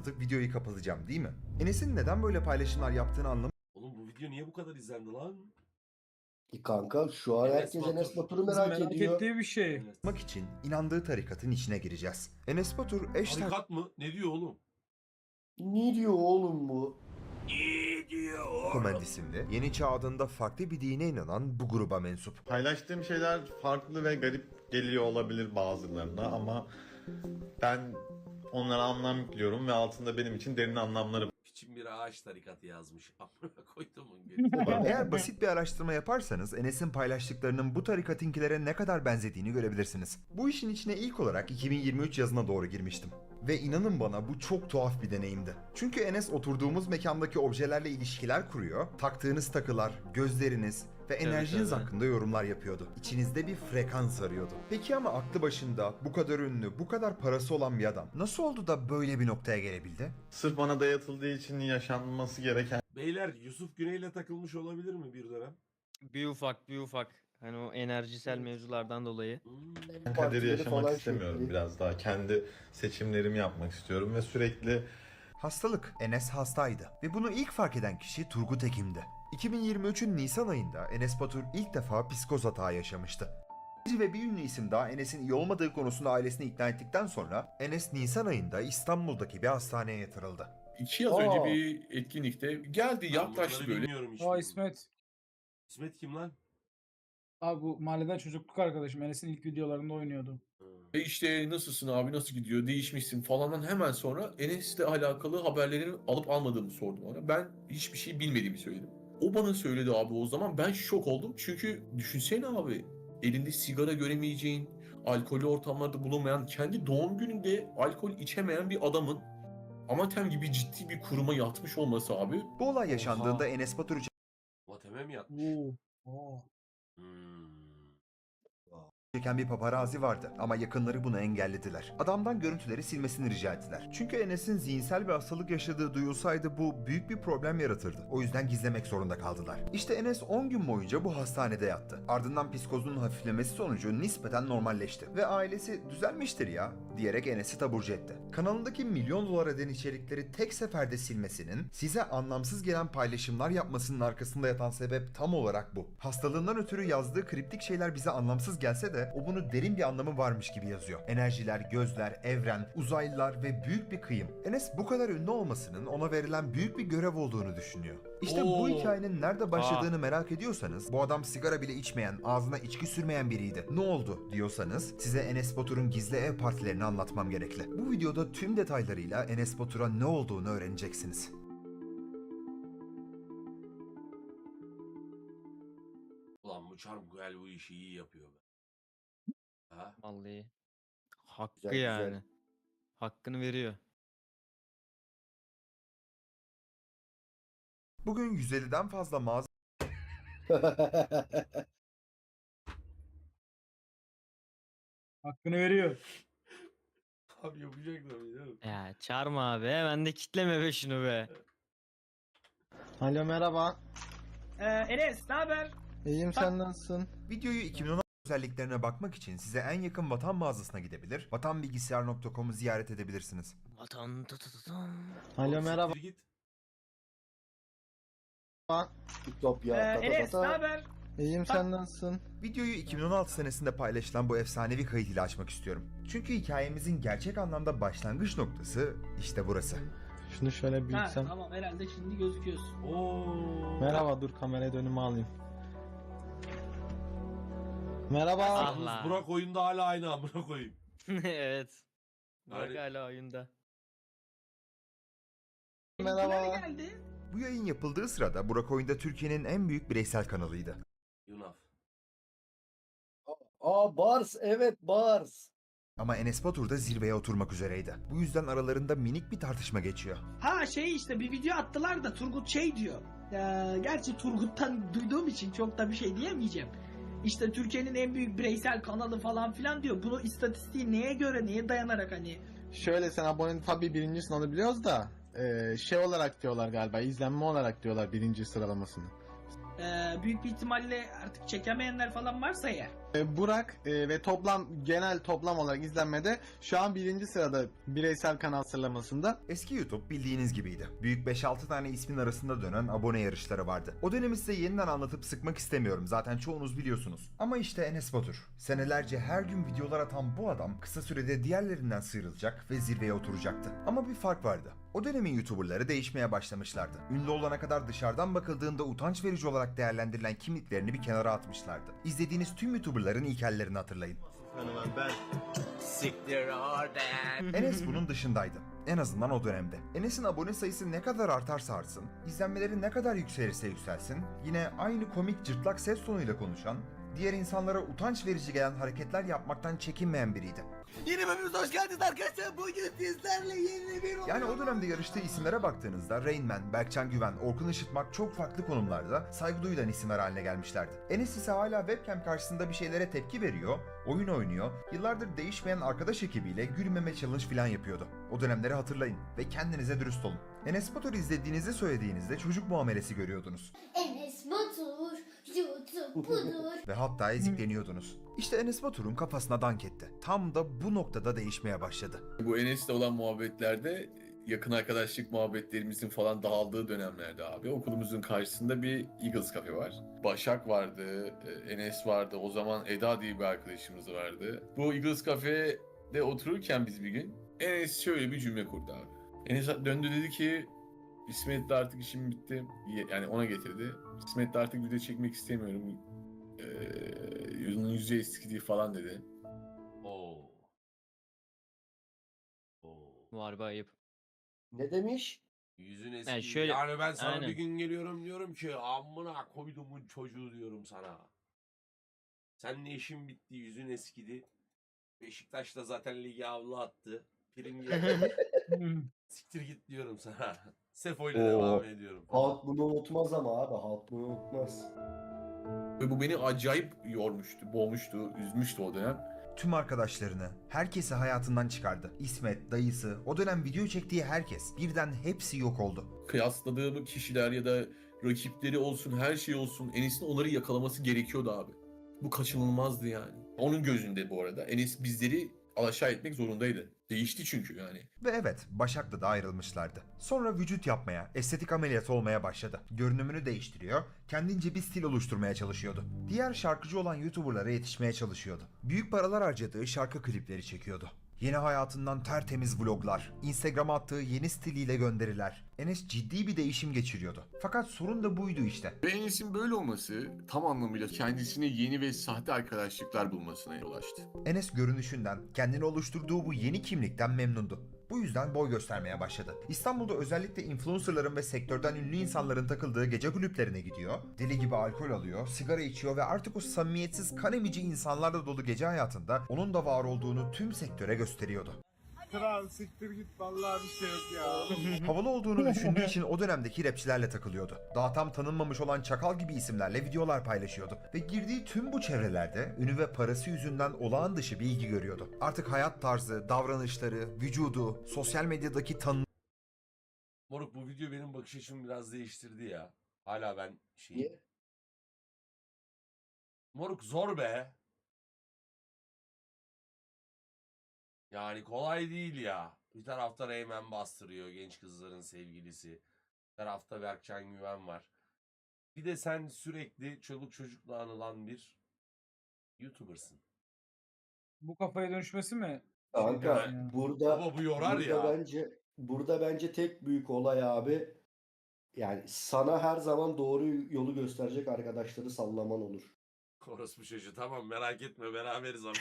anlatıp videoyu kapatacağım değil mi? Enes'in neden böyle paylaşımlar yaptığını anlamak Oğlum bu video niye bu kadar izlendi lan? Kanka şu an Enes herkes Batur. Enes Batur'u Bizim merak ediyor. ettiği bir şey. Evet. için inandığı tarikatın içine gireceğiz. Enes Batur eş Tarikat mı? Ne diyor oğlum? Ne diyor oğlum bu? Komend isimli Yeni Çağ adında farklı bir dine inanan bu gruba mensup. Paylaştığım şeyler farklı ve garip geliyor olabilir bazılarına ama ben onlara anlam yüklüyorum ve altında benim için derin anlamları Piçin bir ağaç tarikatı yazmış. Amına koyduğumun götü. Eğer basit bir araştırma yaparsanız Enes'in paylaştıklarının bu tarikatinkilere ne kadar benzediğini görebilirsiniz. Bu işin içine ilk olarak 2023 yazına doğru girmiştim. Ve inanın bana bu çok tuhaf bir deneyimdi. Çünkü Enes oturduğumuz mekandaki objelerle ilişkiler kuruyor, taktığınız takılar, gözleriniz ve enerjiniz hakkında yorumlar yapıyordu. İçinizde bir frekans arıyordu. Peki ama aklı başında, bu kadar ünlü, bu kadar parası olan bir adam nasıl oldu da böyle bir noktaya gelebildi? sırf bana dayatıldığı için yaşanması gereken Beyler Yusuf Güney'le takılmış olabilir mi bir dönem? Bir ufak. Hani o enerjisel mevzulardan dolayı. Hmm. kaderi Partileri yaşamak falan istemiyorum. çekti. Biraz daha kendi seçimlerimi yapmak istiyorum ve sürekli Hastalık. Enes hastaydı ve bunu ilk fark eden kişi Turgut Ekim'di. 2023'ün Nisan ayında Enes Batur ilk defa psikoz hata yaşamıştı. Ve bir ünlü isim daha Enes'in iyi olmadığı konusunda ailesini ikna ettikten sonra Enes Nisan ayında İstanbul'daki bir hastaneye yatırıldı. 2 yıl önce bir etkinlikte geldi Ben yaklaştı bunları böyle. bilmiyorum hiç. Aa İsmet. İsmet kim lan? Abi bu mahalleden çocukluk arkadaşım. Enes'in ilk videolarında oynuyordu. İşte nasılsın abi nasıl gidiyor değişmişsin falandan hemen sonra Enes'le alakalı haberlerini alıp almadığımı sordum ona. Ben hiçbir şey bilmediğimi söyledim. O bana söyledi abi o zaman ben şok oldum. Çünkü düşünsene abi elinde sigara göremeyeceğin, alkollü ortamlarda bulunmayan, kendi doğum gününde alkol içemeyen bir adamın Amatem gibi ciddi bir kuruma yatmış olması abi. Bu olay yaşandığında Enes Batur Vateme mi yatmış? Oo. Hmm. çeken bir paparazi vardı ama yakınları bunu engellediler. Adamdan görüntüleri silmesini rica ettiler. Çünkü Enes'in zihinsel bir hastalık yaşadığı duyulsaydı bu büyük bir problem yaratırdı. O yüzden gizlemek zorunda kaldılar. İşte Enes 10 gün boyunca bu hastanede yattı. Ardından psikozunun hafiflemesi sonucu nispeten normalleşti. Ve ailesi düzelmiştir ya diyerek Enes'i taburcu etti. Kanalındaki milyon dolar eden içerikleri tek seferde silmesinin, size anlamsız gelen paylaşımlar yapmasının arkasında yatan sebep tam olarak bu. Hastalığından ötürü yazdığı kriptik şeyler bize anlamsız gelse de o bunu derin bir anlamı varmış gibi yazıyor. Enerjiler, gözler, evren, uzaylılar ve büyük bir kıyım. Enes bu kadar ünlü olmasının ona verilen büyük bir görev olduğunu düşünüyor. İşte bu Oo. hikayenin nerede başladığını merak ediyorsanız, bu adam sigara bile içmeyen, ağzına içki sürmeyen biriydi. Ne oldu diyorsanız, size Enes Batur'un gizli ev partilerini anlatmam gerekli. Bu videoda tüm detaylarıyla Enes Batur'a ne olduğunu öğreneceksiniz. Ulan bu Çarmıhel bu işi iyi yapıyor be. Ha? Vallahi. Hakkı Güzel, güzel. yani. Hakkını veriyor. Bugün 150'den fazla mağaza Hakkını veriyor. Abi yapacaklar değil mi? Ya çağırma abi hemen de kitleme be şunu be. Alo merhaba. Enes ne haber? İyiyim sen nasılsın? videoyu 2016 özelliklerine bakmak için size en yakın Vatan mağazasına gidebilir, vatanbilgisayar.com'u ziyaret edebilirsiniz. Vatan tutututum. Alo merhaba. Siktir git. TikTok ya. Enes ne haber? İyiyim sen nasılsın? Videoyu 2016 senesinde paylaşılan bu efsanevi kayıt ile açmak istiyorum. Çünkü hikayemizin gerçek anlamda başlangıç noktası işte burası. Şunu şöyle büyütsem. Tamam herhalde şimdi gözüküyorsun. Oo. Merhaba dur kameraya dönümü alayım. Merhaba. Allah. Burak oyunda hala aynı amına koyayım. Evet. Bak Yani- hala oyunda. Merhaba. Geldi. Bu yayın yapıldığı sırada Burak Oyunda Türkiye'nin en büyük bireysel kanalıydı. Yunaf. Aa Bars, evet Bars. Ama Enes Batur da zirveye oturmak üzereydi. Bu yüzden aralarında minik bir tartışma geçiyor. Ha şey işte bir video attılar da Turgut şey diyor. Gerçi Turgut'tan duyduğum için çok da bir şey diyemeyeceğim. İşte Türkiye'nin en büyük bireysel kanalı falan filan diyor. Bunu istatistiği neye göre neye dayanarak hani. Şöyle sen abone tabii birincisin onu biliyoruz da şey olarak diyorlar galiba izlenme olarak diyorlar birinci sıralamasını. Büyük bir ihtimalle artık çekemeyenler falan varsa eğer. Burak ve genel toplam olarak izlenmede şu an 1. sırada bireysel kanal sıralamasında. Eski YouTube bildiğiniz gibiydi. Büyük 5-6 tane ismin arasında dönen abone yarışları vardı. O dönemi size yeniden anlatıp sıkmak istemiyorum. Zaten çoğunuz biliyorsunuz. Ama işte Enes Batur. Senelerce her gün videolar atan bu adam kısa sürede diğerlerinden sıyrılacak ve zirveye oturacaktı. Ama bir fark vardı. O dönemin YouTuber'ları değişmeye başlamışlardı. Ünlü olana kadar dışarıdan bakıldığında utanç verici olarak değerlendirilen kimliklerini bir kenara atmışlardı. İzlediğiniz tüm YouTuber'ların ilkellerini hatırlayın. Enes bunun dışındaydı. En azından o dönemde. Enes'in abone sayısı ne kadar artarsa artsın, izlenmeleri ne kadar yükselirse yükselsin, yine aynı komik cırtlak ses tonuyla konuşan, diğer insanlara utanç verici gelen hareketler yapmaktan çekinmeyen biriydi. Yeni bölümümüze hoş geldiniz arkadaşlar. Bugün sizlerle yeni bir Yani o dönemde yarıştığı isimlere baktığınızda Rain Man, Berkcan Güven, Orkun Işıtmak çok farklı konumlarda saygı duyulan isimler haline gelmişlerdi. Enes ise hala webcam karşısında bir şeylere tepki veriyor, oyun oynuyor, yıllardır değişmeyen arkadaş ekibiyle gülmeme challenge falan yapıyordu. O dönemleri hatırlayın ve kendinize dürüst olun. Enes Batur izlediğinizi söylediğinizde çocuk muamelesi görüyordunuz. Enes Batur, YouTube budur. Ve hatta ezikleniyordunuz. İşte Enes Batur'un kafasına dank etti. Tam da bu noktada değişmeye başladı. Bu Enes'le olan muhabbetlerde yakın arkadaşlık muhabbetlerimizin falan dağıldığı dönemlerde abi okulumuzun karşısında bir Eagles Cafe var. Başak vardı, Enes vardı, o zaman Eda diye bir arkadaşımız vardı. Bu Eagles Cafe'de otururken biz bir gün Enes şöyle bir cümle kurdu abi. Enes döndü dedi ki İsmet'le artık işim bitti. Yani ona getirdi. İsmet'le artık video çekmek istemiyorum. Yüzü eskidi falan dedi. Oo. Oo. Var be ayıp. Ne demiş? Yüzün eski. Yani şöyle- Yani ben sana Aynen. bir gün geliyorum diyorum ki amına koydumun çocuğu diyorum sana. Seninle işin bitti, yüzün eskidi. Beşiktaş da zaten ligi avlu attı. Prim geldi. Siktir git diyorum sana. Sefo ile devam ediyorum. Halk bunu unutmaz ama abi. Halk bunu unutmaz. Ve bu beni acayip yormuştu, boğmuştu, üzmüştü o dönem. Tüm arkadaşlarını, herkesi hayatından çıkardı. İsmet, dayısı, o dönem video çektiği herkes, birden hepsi yok oldu. Kıyasladığım kişiler ya da rakipleri olsun, her şey olsun Enes'in onları yakalaması gerekiyordu abi. Bu kaçınılmazdı yani. Onun gözünde bu arada Enes bizleri alaşağı etmek zorundaydı. Değişti çünkü yani. Ve evet, Başak'la da ayrılmışlardı. Sonra vücut yapmaya, estetik ameliyatı olmaya başladı. Görünümünü değiştiriyor, kendince bir stil oluşturmaya çalışıyordu. Diğer şarkıcı olan YouTuber'lara yetişmeye çalışıyordu. Büyük paralar harcadığı şarkı klipleri çekiyordu. Yeni hayatından tertemiz vloglar, Instagram'a attığı yeni stiliyle gönderiler. Enes ciddi bir değişim geçiriyordu. Fakat sorun da buydu işte. Ve Enes'in böyle olması tam anlamıyla kendisine yeni ve sahte arkadaşlıklar bulmasına yol açtı. Enes görünüşünden, kendini oluşturduğu bu yeni kimlikten memnundu. Bu yüzden boy göstermeye başladı. İstanbul'da özellikle influencerların ve sektörden ünlü insanların takıldığı gece kulüplerine gidiyor, deli gibi alkol alıyor, sigara içiyor ve artık o samimiyetsiz kan emici insanlarla dolu gece hayatında onun da var olduğunu tüm sektöre gösteriyordu. Kral siktir git vallahi bir şey yok ya. Havalı olduğunu düşündüğü için o dönemdeki rapçilerle takılıyordu. Daha tam tanınmamış olan Çakal gibi isimlerle videolar paylaşıyordu. Ve girdiği tüm bu çevrelerde ünü ve parası yüzünden olağan dışı bir ilgi görüyordu. Artık hayat tarzı, davranışları, vücudu, sosyal medyadaki Moruk bu video benim bakış açımı biraz değiştirdi ya. Hala ben Niye? Moruk zor be. Yani kolay değil ya. Bir tarafta Reymen bastırıyor, genç kızların sevgilisi. Bir tarafta Berkcan Güven var. Bir de sen sürekli çoluk çocukla anılan bir YouTuber'sın. Bu kafaya dönüşmesi mi? Kanka Yani- burada Ama bu yorar burada ya. bence tek büyük olay abi, yani sana her zaman doğru yolu gösterecek arkadaşları sallaman olur. Orospu çocuğu tamam merak etme beraberiz ama.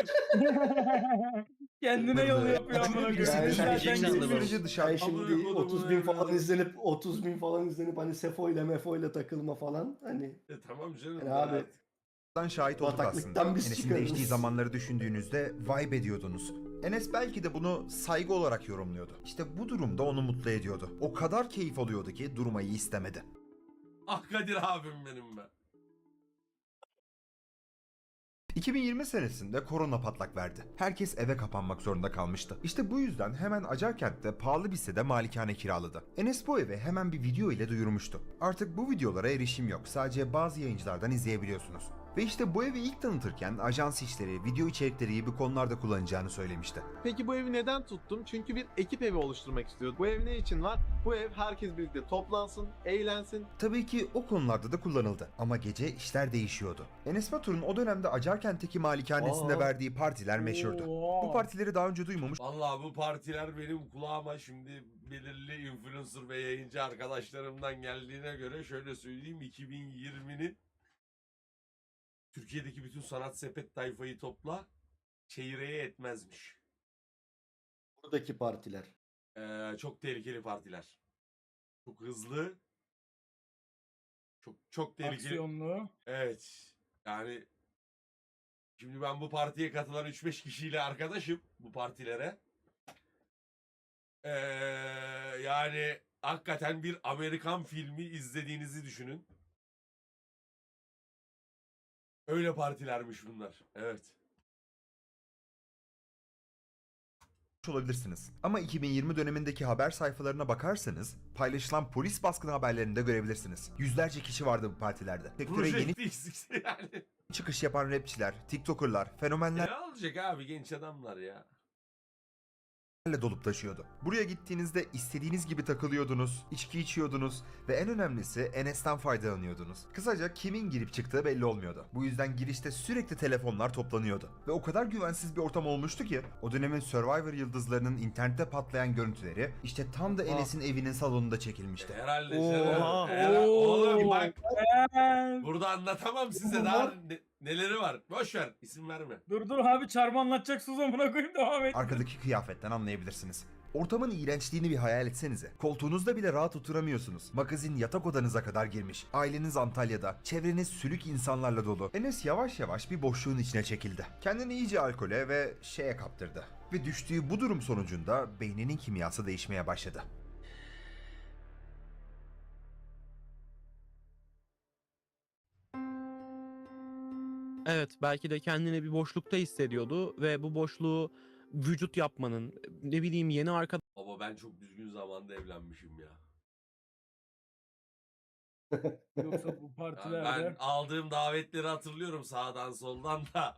Kendine yol yapıyor amına koyayım. birisi Yani dışarı sen Gerçekten çıktığı de şimdi, var. sürece dışarı sen şimdi Amına kodumun 30 bin falan evladı. izlenip 30 bin falan izlenip hani Sefo ile Mefo ile takılma falan, hani Tamam canım. yani abi Berat. şahit olduk bataklıktan aslında. biz Enes'in çıkarırız. değiştiği zamanları düşündüğünüzde vibe ediyordunuz. Enes belki de bunu saygı olarak yorumluyordu. İşte bu durumda onu mutlu ediyordu. O kadar keyif alıyordu ki durmayı istemedi. Ah Kadir abim benim be. 2020 senesinde korona patlak verdi. Herkes eve kapanmak zorunda kalmıştı. İşte bu yüzden hemen Acarkent'te pahalı bir sitede malikane kiraladı. Enes bu evi hemen bir video ile duyurmuştu. Artık bu videolara erişim yok. Sadece bazı yayıncılardan izleyebiliyorsunuz. Ve işte bu evi ilk tanıtırken ajans işleri, video içerikleri gibi konularda kullanacağını söylemişti. Peki bu evi neden tuttum? Çünkü bir ekip evi oluşturmak istiyordum. Bu ev ne için var? Bu ev herkes birlikte toplansın, eğlensin. Tabii ki o konularda da kullanıldı ama gece işler değişiyordu. Enes Batur'un o dönemde Acarkent'teki malikanesinde Aa. verdiği partiler meşhurdu. Oo. Bu partileri daha önce duymamış Vallahi bu partiler benim kulağıma şimdi belirli influencer ve yayıncı arkadaşlarımdan geldiğine göre şöyle söyleyeyim, 2020'nin Türkiye'deki bütün sanat sepet tayfayı topla çeyreğe etmezmiş. Buradaki partiler. Çok tehlikeli partiler. Çok hızlı. Çok tehlikeli. Aksiyonlu. Evet. Yani şimdi ben bu partiye katılan 3-5 kişiyle arkadaşım, bu partilere. Yani hakikaten bir Amerikan filmi izlediğinizi düşünün. Öyle partilermiş bunlar. Evet. olabilirsiniz. Ama 2020 dönemindeki haber sayfalarına bakarsanız paylaşılan polis baskını haberlerini de görebilirsiniz. Yüzlerce kişi vardı bu partilerde. Sektöre yeni Projekti eksikse yani. çıkış yapan rapçiler, tiktokerlar, fenomenler Ne olacak abi, genç adamlar ya. dolup taşıyordu. Buraya gittiğinizde istediğiniz gibi takılıyordunuz, içki içiyordunuz ve en önemlisi Enes'ten faydalanıyordunuz. Kısaca kimin girip çıktığı belli olmuyordu. Bu yüzden girişte sürekli telefonlar toplanıyordu. Ve o kadar güvensiz bir ortam olmuştu ki o dönemin Survivor yıldızlarının internette patlayan görüntüleri işte tam da Enes'in evinin salonunda çekilmişti. Herhalde Oha. canım. Oğlum bak, Ben- burada anlatamam size daha neleri var. Boş ver, isim verme. Dur abi çarmı anlatacaksınız amına koyayım devam et. Arkadaki kıyafetten anlayabilirsiniz. Ortamın iğrençliğini bir hayal etsenize. Koltuğunuzda bile rahat oturamıyorsunuz. Magazin yatak odanıza kadar girmiş. Aileniz Antalya'da. Çevreniz sülük insanlarla dolu. Enes yavaş yavaş bir boşluğun içine çekildi. Kendini iyice alkole ve şeye kaptırdı. Ve düştüğü bu durum sonucunda beyninin kimyası değişmeye başladı. Evet, belki de kendini bir boşlukta hissediyordu ve bu boşluğu vücut yapmanın, ne bileyim yeni Baba ben çok düzgün zamanda evlenmişim ya. Yoksa bu Ya partilerde. ben aldığım davetleri hatırlıyorum sağdan soldan da.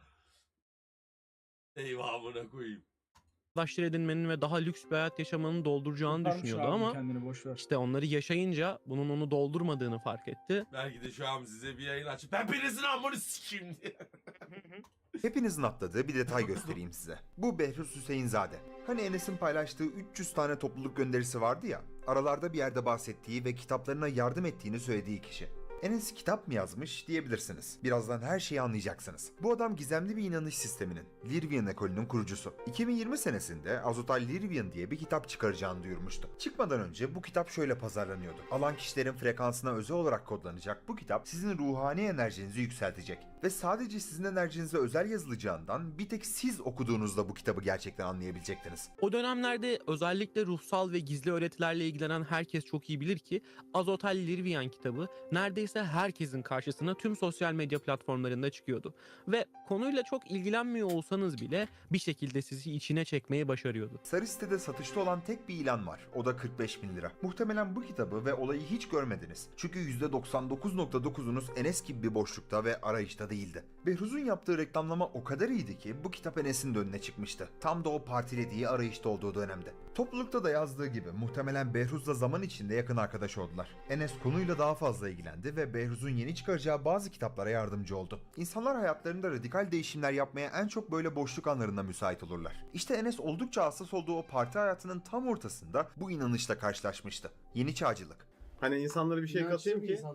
Eyvahına koyayım. arkadaşlar edinmenin ve daha lüks bir hayat yaşamanın dolduracağını Kurtarmış düşünüyordu abi, ama kendini boş ver. işte onları yaşayınca bunun onu doldurmadığını fark etti. Belki de şu an size bir yayın açıp hepinizin amını sikeyim diye. Hepinizin atladığı bir detay göstereyim size. Bu Behruz Hüseyinzade. Hani Enes'in paylaştığı 300 tane topluluk gönderisi vardı ya, aralarda bir yerde bahsettiği ve kitaplarına yardım ettiğini söylediği kişi. Enes kitap mı yazmış diyebilirsiniz. Birazdan her şeyi anlayacaksınız. Bu adam gizemli bir inanış sisteminin, Lirvian ekolünün kurucusu. 2020 senesinde Azotal Lirvian diye bir kitap çıkaracağını duyurmuştu. Çıkmadan önce bu kitap şöyle pazarlanıyordu. Alan kişilerin frekansına özel olarak kodlanacak bu kitap sizin ruhani enerjinizi yükseltecek. Ve sadece sizin enerjinize özel yazılacağından bir tek siz okuduğunuzda bu kitabı gerçekten anlayabilecektiniz. O dönemlerde özellikle ruhsal ve gizli öğretilerle ilgilenen herkes çok iyi bilir ki Azotel Lirvian kitabı neredeyse herkesin karşısına tüm sosyal medya platformlarında çıkıyordu. Ve konuyla çok ilgilenmiyor olsanız bile bir şekilde sizi içine çekmeyi başarıyordu. Sarı sitede satışta olan tek bir ilan var. O da 45.000 lira. Muhtemelen bu kitabı ve olayı hiç görmediniz. Çünkü %99.9'unuz Enes gibi bir boşlukta ve arayışta değildi. Behruz'un yaptığı reklamlama o kadar iyiydi ki bu kitap Enes'in de önüne çıkmıştı. Tam da o partilediği arayışta olduğu dönemde. Toplulukta da yazdığı gibi muhtemelen Behruz'la zaman içinde yakın arkadaş oldular. Enes konuyla daha fazla ilgilendi ve Behruz'un yeni çıkaracağı bazı kitaplara yardımcı oldu. İnsanlar hayatlarında radikal değişimler yapmaya en çok böyle boşluk anlarında müsait olurlar. İşte Enes oldukça hassas olduğu o parti hayatının tam ortasında bu inanışla karşılaşmıştı. Yeni çağcılık. Hani insanlara bir şey katayım ki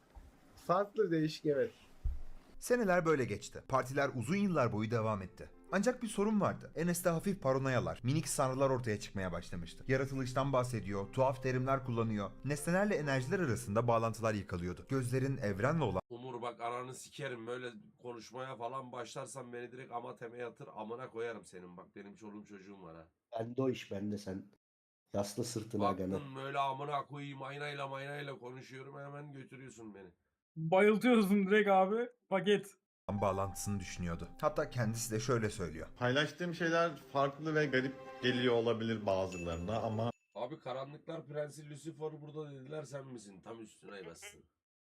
farklı, değişik, evet. Seneler böyle geçti. Partiler uzun yıllar boyu devam etti. Ancak bir sorun vardı. Enes'te hafif paranoyalar, minik sanrılar ortaya çıkmaya başlamıştı. Yaratılıştan bahsediyor, tuhaf terimler kullanıyor. Nesnelerle enerjiler arasında bağlantılar yıkalıyordu. Gözlerin evrenle olan Umur bak ananı sikerim, böyle konuşmaya falan başlarsan beni direkt amateme yatır, amına koyarım senin, bak benim çoluğum çocuğum var ha. Bende o iş bende, sen yasla sırtına gene. Baktın böyle amına koyayım aynayla konuşuyorum, hemen götürüyorsun beni. Bayıltıyorsun direkt abi. Paket. bağlantısını düşünüyordu. Hatta kendisi de şöyle söylüyor. Paylaştığım şeyler farklı ve garip geliyor olabilir bazılarına ama Abi Karanlıklar Prensi Lucifer burada dediler, sen misin? Tam üstüne bassın.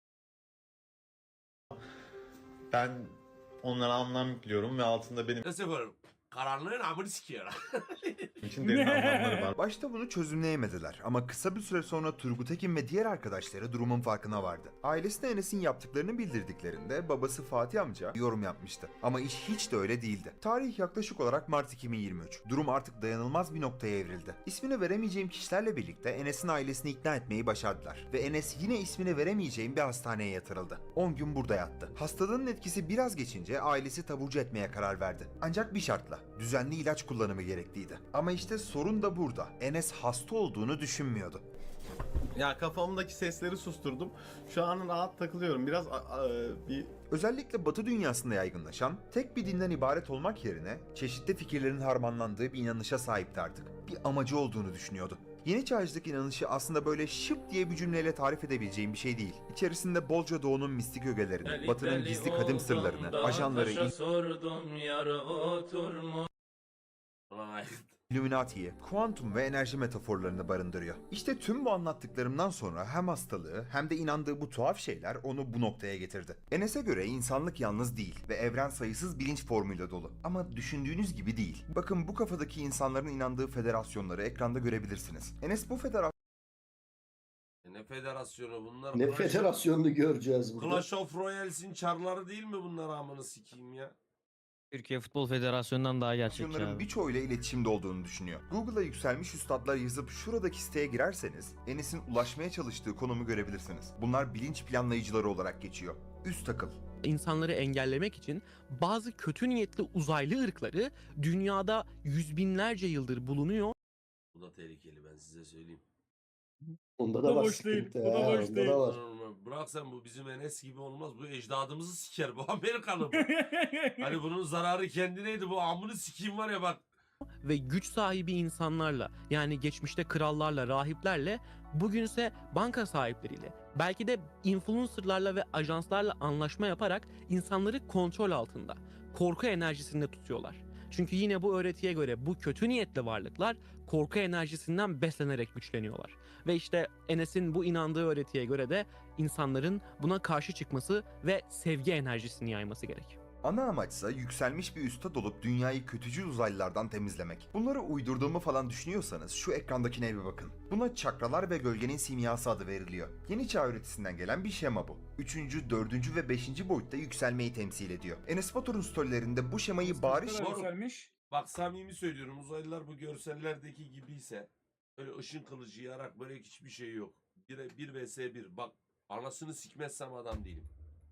ben onlara anlam yüklüyorum ve altında benim Lucifer karanlığın amını sikiyor. için derin anlamları var. Başta bunu çözümleyemediler ama kısa bir süre sonra Turgut Ekin ve diğer arkadaşları durumun farkına vardı. Ailesine Enes'in yaptıklarını bildirdiklerinde babası Fatih amca yorum yapmıştı. Ama iş hiç de öyle değildi. Tarih yaklaşık olarak Mart 2023. Durum artık dayanılmaz bir noktaya evrildi. İsmini veremeyeceğim kişilerle birlikte Enes'in ailesini ikna etmeyi başardılar. Ve Enes yine ismini veremeyeceğim bir hastaneye yatırıldı. 10 gün burada yattı. Hastalığın etkisi biraz geçince ailesi taburcu etmeye karar verdi. Ancak bir şartla. Düzenli ilaç kullanımı gerekliydi. Ama işte sorun da burada. Enes hasta olduğunu düşünmüyordu. Ya kafamdaki sesleri susturdum. Şu an rahat takılıyorum. Biraz bir Özellikle Batı dünyasında yaygınlaşan, tek bir dinden ibaret olmak yerine çeşitli fikirlerin harmanlandığı bir inanışa sahipti artık. Bir amacı olduğunu düşünüyordu. Yeni çağcılık inanışı aslında böyle şıp diye bir cümleyle tarif edebileceğim bir şey değil. İçerisinde bolca doğunun mistik ögelerini, Batı'nın gizli kadim sırlarını, ajanları, Ay. Illuminati'yi, kuantum ve enerji metaforlarını barındırıyor. İşte tüm bu anlattıklarımdan sonra hem hastalığı hem de inandığı bu tuhaf şeyler onu bu noktaya getirdi. Enes'e göre insanlık yalnız değil ve evren sayısız bilinç formuyla dolu. Ama düşündüğünüz gibi değil. Bakın bu kafadaki insanların inandığı federasyonları ekranda görebilirsiniz. Enes bu Ne federasyonu bunlar? Ne federasyonunu göreceğiz burada. Clash of Royales'in çarları değil mi bunlar, amını sikeyim ya? Türkiye Futbol Federasyonu'ndan daha gerçekçi Federasyonların abi. birçoğuyla iletişimde olduğunu düşünüyor. Google'a yükselmiş üstadlar yazıp şuradaki siteye girerseniz Enes'in ulaşmaya çalıştığı konumu görebilirsiniz. Bunlar bilinç planlayıcıları olarak geçiyor. Üst akıl. İnsanları engellemek için bazı kötü niyetli uzaylı ırkları dünyada yüz binlerce yıldır bulunuyor. Bu da tehlikeli, ben size söyleyeyim. Onda Bu da da var boş değil, sıkıntı. bu da ha, boş onda değil. da var. Bırak sen, bu bizim Enes gibi olmaz. Bu ecdadımızı siker. Bu Amerikalı bu. Hani bunun zararı kendineydi. Bu amını sikeyim var ya bak. Ve güç sahibi insanlarla, yani geçmişte krallarla, rahiplerle, bugünse banka sahipleriyle, belki de influencerlarla ve ajanslarla anlaşma yaparak insanları kontrol altında, korku enerjisinde tutuyorlar. Çünkü yine bu öğretiye göre bu kötü niyetli varlıklar korku enerjisinden beslenerek güçleniyorlar. Ve işte Enes'in bu inandığı öğretiye göre de insanların buna karşı çıkması ve sevgi enerjisini yayması gerek. Ana amaçsa yükselmiş bir üstad olup dünyayı kötücül uzaylılardan temizlemek. Bunları uydurduğumu falan düşünüyorsanız şu ekrandakine bir bakın. Buna çakralar ve gölgenin simyası adı veriliyor. Yeni çağ öğretisinden gelen bir şema bu. 3., 4. ve 5. boyutta yükselmeyi temsil ediyor. Enes Batur'un storylerinde bu şemayı bariz Doğru. Yükselmiş. Bak samimi söylüyorum, uzaylılar bu görsellerdeki gibiyse böyle ışın kılıcı yarak böyle hiçbir şey yok. 1 vs 1. Bak anasını sikmezsem adam değilim.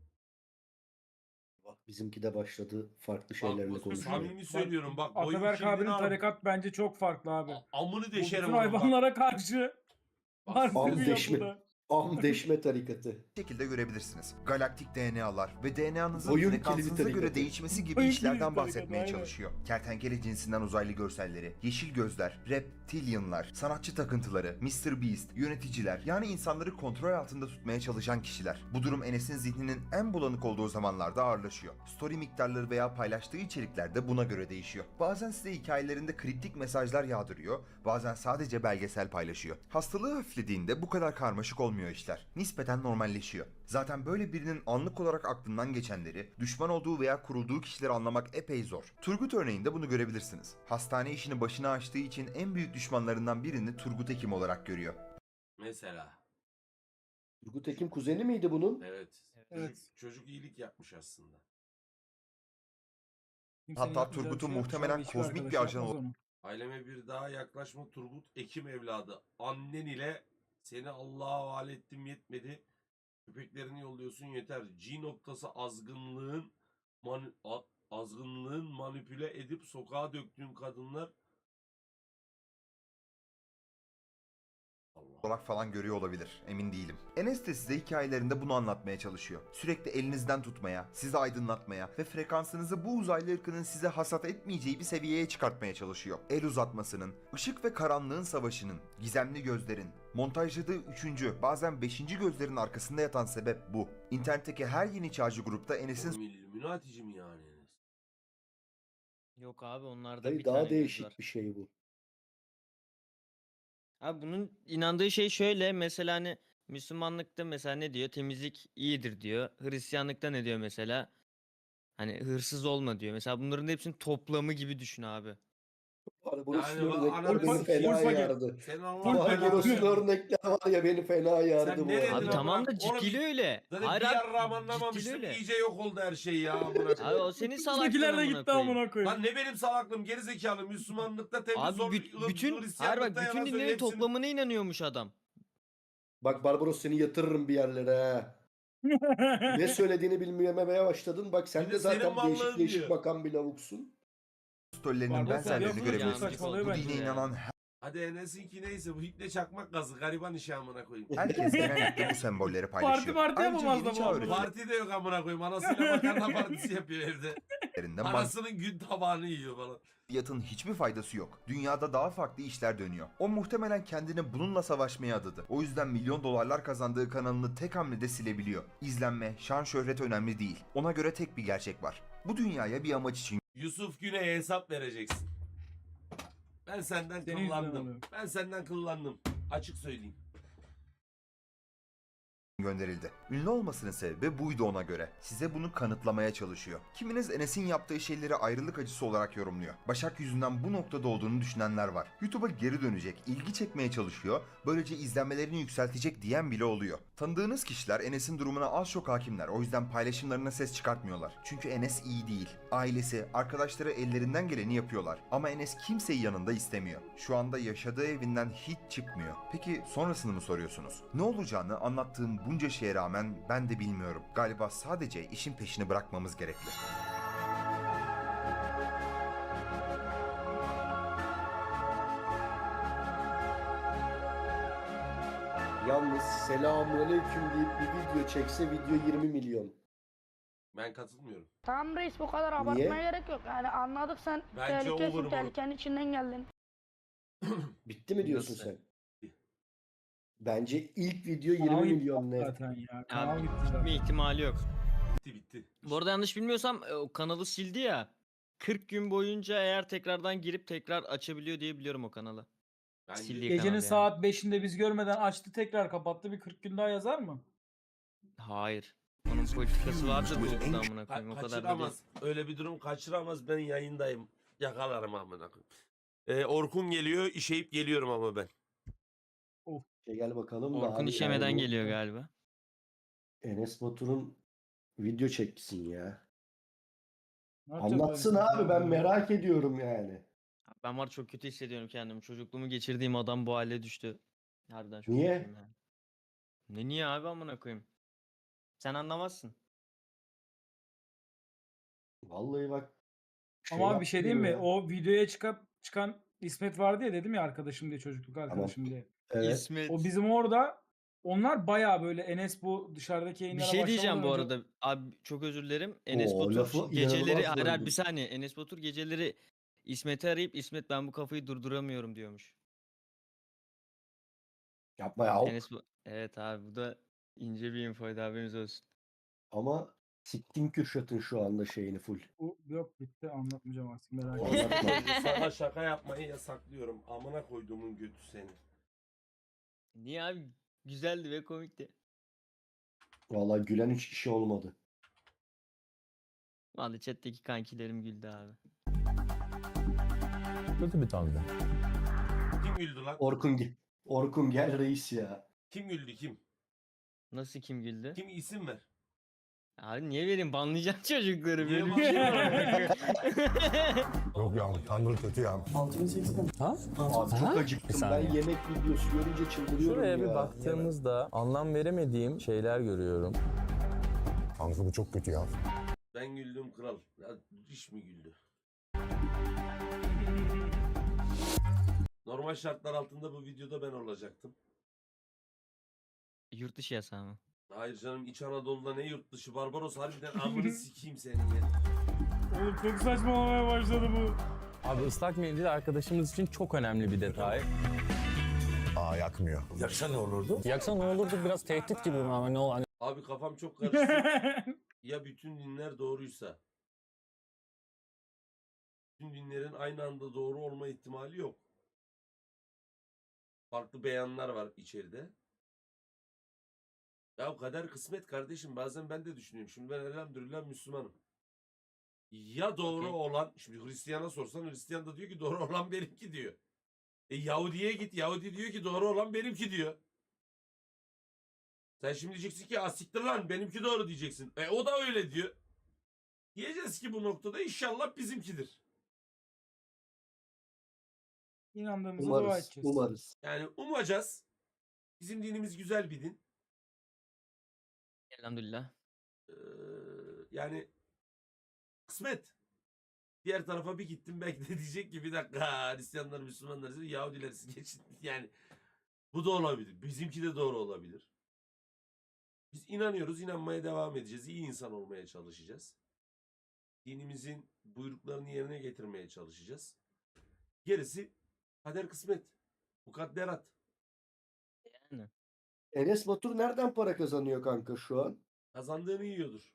Bak bizimki de başladı farklı Bak şeylerle bu konuşuyor. samimi söylüyorum, bak boyun Ataberk kimliğini abinin al. tarikat bence çok farklı abi. Amını Bu deşerim bütün onun bak. hayvanlara karşı Bak, harbi Am bir deşme. yapıda. Deşme tarikatı. şekilde görebilirsiniz. Galaktik DNA'lar ve DNA'nızın Boyun frekansınıza kilidi göre tarikatı. değişmesi gibi Boyun işlerden kilidi bahsetmeye tarikatı, aynen. çalışıyor. Kertenkele cinsinden uzaylı görselleri, yeşil gözler, reptilianlar, sanatçı takıntıları, Mr. Beast, yöneticiler, yani insanları kontrol altında tutmaya çalışan kişiler. Bu durum Enes'in zihninin en bulanık olduğu zamanlarda ağırlaşıyor. Story miktarları veya paylaştığı içerikler de buna göre değişiyor. Bazen size hikayelerinde kriptik mesajlar yağdırıyor, bazen sadece belgesel paylaşıyor. Hastalığı hafiflediğinde bu kadar karmaşık olmuyor işler. Nispeten normalleşiyor. Zaten böyle birinin anlık olarak aklından geçenleri, düşman olduğu veya kurulduğu kişileri anlamak epey zor. Turgut örneğinde bunu görebilirsiniz. Hastane işini başına açtığı için en büyük düşmanlarından birini Turgut Ekim olarak görüyor. Mesela. Turgut Ekim kuzeni miydi bunun? Evet. Evet. Çocuk iyilik yapmış aslında. Kimsenin Hatta yapmayacağı Turgut'un bir şey yok. Şu muhtemelen an hiçbir kozmik arkadaş bir ajan yapmaz onu. Aileme bir daha yaklaşma Turgut Ekim evladı. Annen ile seni Allah'a havale ettim yetmedi. Köpeklerini yolluyorsun yeter. G noktası azgınlığın manipüle edip sokağa döktüğün kadınlar Allah. olarak falan görüyor olabilir. Emin değilim. Enes de size hikayelerinde bunu anlatmaya çalışıyor. Sürekli elinizden tutmaya, sizi aydınlatmaya ve frekansınızı bu uzaylı ırkının size hasat etmeyeceği bir seviyeye çıkartmaya çalışıyor. El uzatmasının, ışık ve karanlığın savaşının, gizemli gözlerin, montajladığı 3. bazen 5. gözlerin arkasında yatan sebep bu. İnternetteki her yeni çağcı grupta Enes'in Oğlum İlluminatici mi yani Enes? Yok abi onlarda Dayı bir daha tane göz değişik var. bir şey bu. Abi bunun inandığı şey şöyle, mesela hani Müslümanlıkta mesela ne diyor? Temizlik iyidir diyor. Hristiyanlıkta ne diyor mesela? Hani hırsız olma diyor. Mesela bunların hepsinin toplamı gibi düşün abi. Barbaros'un Yani örnekleri ananı beni sikeyim. fena full paket. yardı. Senin Allah Full paket. Barbaros'un belanı. örnekleri var ya beni fena yardı bu ne dedin arada. Abi amına- tamam da Oğlum, ciddiyle öyle. Zaten Hayır bir abi, yarrağım ciddiyle anlamamıştım. öyle. İyice yok oldu her şey ya amına Abi koyayım. o senin salaklığın Bizimkiler de amına gitti koyayım. amına koyayım. Lan ne benim salaklığım gerizekalı Müslümanlıkta temiz Abi zor bütün hayır Hristiyanlıkta bak bütün yalan söylüyor dinlerin hepsini. toplamına inanıyormuş adam. Bak Barbaros seni yatırırım bir yerlere ha. Ne söylediğini bilmemeye başladın. Bak sen Bir de de senin zaten değişik varlığın değişik diyor. bakan bir lavuksun. Stollerinin Barbaros benzerlerini yaptığı görebilirsiniz. saçmalıyor Bu bence dine ya. inanan Hadi Enes'inki neyse bu iple çakmak gazı gariban işi amına koyayım. herkes genellikle bu sembolleri paylaşıyor. Parti Ayrıca yapamaz yeni da bu çağ arada. Parti de yok amına koyayım. Anasıyla makarna partisi yapıyor evde. öğretilerinden Anasının gün tabağını yiyor falan. maddiyatın hiçbir faydası yok. Dünyada daha farklı işler dönüyor. O muhtemelen kendini bununla savaşmaya adadı. O yüzden milyon dolarlar kazandığı kanalını tek hamlede silebiliyor. İzlenme, şan şöhret önemli değil. Ona göre tek bir gerçek var. Bu dünyaya bir amaç için Yusuf Güney'e hesap vereceksin. Ben senden Senin yüzünden kıllandım. oluyor. Ben senden kıllandım. Açık söyleyeyim. gönderildi. Ünlü olmasının sebebi buydu ona göre. Size bunu kanıtlamaya çalışıyor. Kiminiz Enes'in yaptığı şeyleri ayrılık acısı olarak yorumluyor. Başak yüzünden bu noktada olduğunu düşünenler var. YouTube'a geri dönecek, ilgi çekmeye çalışıyor, böylece izlenmelerini yükseltecek diyen bile oluyor. Tanıdığınız kişiler Enes'in durumuna az çok hakimler. O yüzden paylaşımlarına ses çıkartmıyorlar. Çünkü Enes iyi değil. Ailesi, arkadaşları ellerinden geleni yapıyorlar. Ama Enes kimseyi yanında istemiyor. Şu anda yaşadığı evinden hiç çıkmıyor. Peki sonrasını mı soruyorsunuz? Ne olacağını anlattığım bunca şeye rağmen ben de bilmiyorum. Galiba sadece işin peşini bırakmamız gerekli. Yalnız selamünaleyküm deyip bir video çekse video 20 milyon. Ben katılmıyorum. Tamam reis bu kadar Niye? abartmaya gerek yok. Yani anladık sen Bence over tehlikesin, bu. tehlikenin içinden geldin. Bitti mi diyorsun Nasıl? sen? Bbence ilk video 20 Kanal gitti milyon net. zaten ya. Kanal Abi gitti gitme zaten. ihtimali yok. Bitti. Bu arada yanlış bilmiyorsam o kanalı sildi ya. 40 gün boyunca eğer tekrardan girip tekrar açabiliyor diye biliyorum o kanalı. Bence Sildiği Gecenin kanal yani. saat 5'inde biz görmeden açtı tekrar kapattı. Bir 40 gün daha yazar mı? Hayır. Onun politikası vardır Google'da amına koyayım. O kadar da değil. kaçıramaz. Öyle bir durum kaçıramaz. Ben yayındayım. Yakalarım amına koyayım. Orkun geliyor, işeyip geliyorum ama ben. Gel bakalım da Orkun abi işemeden yani bu geliyor galiba. Enes Batur'un video çeksin ya. Ne yapacağız Anlatsın böyle? abi ben merak ediyorum yani. Ben var çok kötü hissediyorum kendimi. Çocukluğumu geçirdiğim adam bu hale düştü. Harbiden çok Niye? kötüyüm yani. Ne niye abi amına koyayım? Sen anlamazsın. Vallahi bak. Ama bir şey diyeyim mi? yapmıyor ya. O videoya çıkan İsmet vardı ya, dedim ya arkadaşım diye, çocukluk arkadaşım diye. Evet. İsmet. O bizim orada, onlar bayağı böyle Enes bu dışarıdaki Bir yayınlara şey diyeceğim bu başlamadan önce- arada. Abi çok özür dilerim. Enes Oo, Batur lafı geceleri inanılmaz hayır, hayır, böldüm. bir saniye. Enes Batur geceleri İsmet'i arayıp İsmet ben bu kafayı durduramıyorum diyormuş. Yapma ya. Evet abi bu da ince bir infoydu, haberiniz olsun. Ama siktin Kürşat'ın şu anda şeyini full. Bu yok, bitti, anlatmayacağım artık, merak Anlatma. etme. Sana şaka yapmayı yasaklıyorum. Amına koyduğumun götü seni. Niye abi? Güzeldi ve komikti. Vallahi gülen 3 kişi olmadı. Vallahi chat'teki kankilerim güldü abi. Kötü bir tarzda. Kim güldü lan? Orkun gel reis ya. Kim güldü kim? Nasıl kim güldü? Kim isim ver. Abi niye vereyim? Banlayacağım çocukları Niye böyle bir şey var. Yok ya Tanrı kötü ya. Ha? Abi çok acıktım. Ben saniye. yemek videosu görünce çıldırıyorum Şuraya ya. bir baktığımızda anlam veremediğim şeyler görüyorum. Tanrı bu çok kötü ya. Ben güldüm kral. Ya diş mi güldü? Normal şartlar altında bu videoda ben olacaktım. Yurt dışı yasağı mı? Hayır canım, İç Anadolu'da ne yurt dışı, Barbaros harbiden amını sikeyim senin ya. Oğlum çok saçmalamaya başladı bu. Abi ıslak mendil arkadaşımız için çok önemli bir detay. Aa yakmıyor. Yaksa ne olurdu? Yaksa ne olurdu biraz tehdit gibi ama ne ol hani Abi kafam çok karıştı. ya bütün dinler doğruysa, bütün dinlerin aynı anda doğru olma ihtimali yok. Farklı beyanlar var içeride. Ya kader kısmet kardeşim, bazen ben de düşünüyorum. Şimdi ben elhamdülillah Müslümanım. Ya doğru Okey. olan, şimdi Hristiyan'a sorsan Hristiyan da diyor ki doğru olan benimki diyor. Yahudi'ye git, Yahudi diyor ki doğru olan benimki diyor. Sen şimdi diyeceksin ki asiktir lan benimki doğru diyeceksin. O da öyle diyor. Diyeceğiz ki bu noktada inşallah bizimkidir. İnandığımıza dua Umarız. edeceğiz. Umarız. Yani umacağız. Bizim dinimiz güzel bir din. Elhamdülillah. Yani kısmet. Diğer tarafa bir gittim belki de diyecek ki bir dakika Hristiyanlar, Müslümanlar, Yahudiler siz geçin. Yani bu da olabilir. Bizimki de doğru olabilir. Biz inanıyoruz, inanmaya devam edeceğiz. İyi insan olmaya çalışacağız. Dinimizin buyruklarını yerine getirmeye çalışacağız. Gerisi kader kısmet. Mukadderat. Yani. Enes Batur nereden para kazanıyor kanka şu an? Kazandığını yiyordur.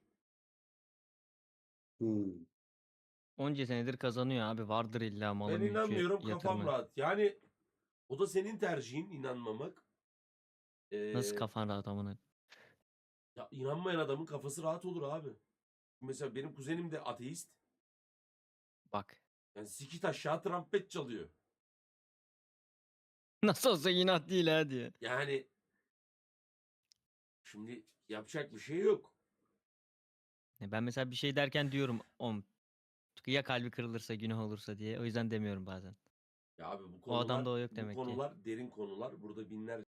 Hmm. Onca senedir kazanıyor abi. Vardır illa malı Ben mülkü, inanmıyorum, kafam yatırımı. rahat. Yani o da senin tercihin, inanmamak. Nasıl kafan rahat amına? Ya inanmayan adamın kafası rahat olur abi. Mesela benim kuzenim de ateist. Bak. Yani sikit aşağı trompet çalıyor. Nasıl olsa inat değil ha diye. Yani şimdi yapacak bir şey yok. Ben mesela bir şey derken diyorum ya kalbi kırılırsa günah olursa diye. O yüzden demiyorum bazen. Ya abi bu O adamda o yok bu demek ki. konular derin konular. Burada binlerce